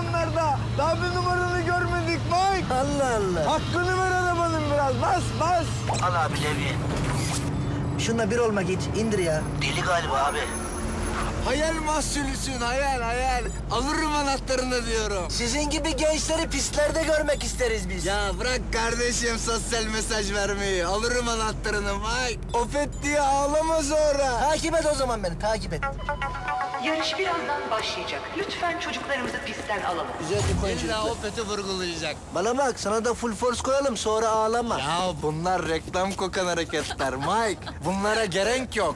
ekranlarda. Daha bir numaranı görmedik Mike. Allah Allah. Hakkını ver arabanın biraz. Bas bas. Al abi Levi. Şunla bir olma git. İndir ya. Deli galiba abi. Hayal mahsulüsün hayal. Alırım anahtarını diyorum. Sizin gibi gençleri pistlerde görmek isteriz biz. Ya bırak kardeşim sosyal mesaj vermeyi. Alırım anahtarını Mike. Opet diye ağlama sonra. Takip et o zaman beni, takip et. Yarış birazdan başlayacak. Lütfen çocuklarımızı pistten alalım. Güzel bir koyun İlla çocuklar. Opet'i vurgulayacak. Bana bak, sana da full force koyalım, sonra ağlama. Ya bunlar reklam kokan hareketler Mike. Bunlara gerek yok.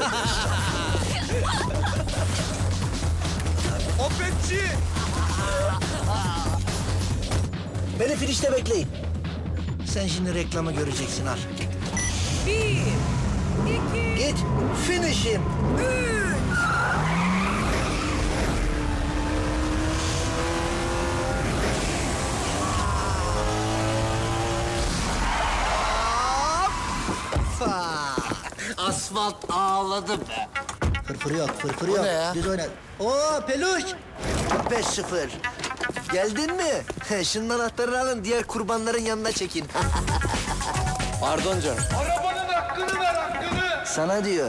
Opetçi! Beni finişte bekleyin. Sen şimdi reklamı göreceksin, al. 1, 2, Git, finish'im. 3. Asfalt ağladı be. Fırfırı yok, fırfırı yok. ne ya? Düz oyna. Oo, peluş. 5-0. Geldin mi? Şunun anahtarını alın, diğer kurbanların yanına çekin. Pardon canım. Arabanın hakkını ver, hakkını! Sana diyor.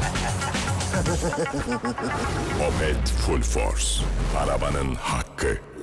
Opet Full Force. Arabanın hakkı.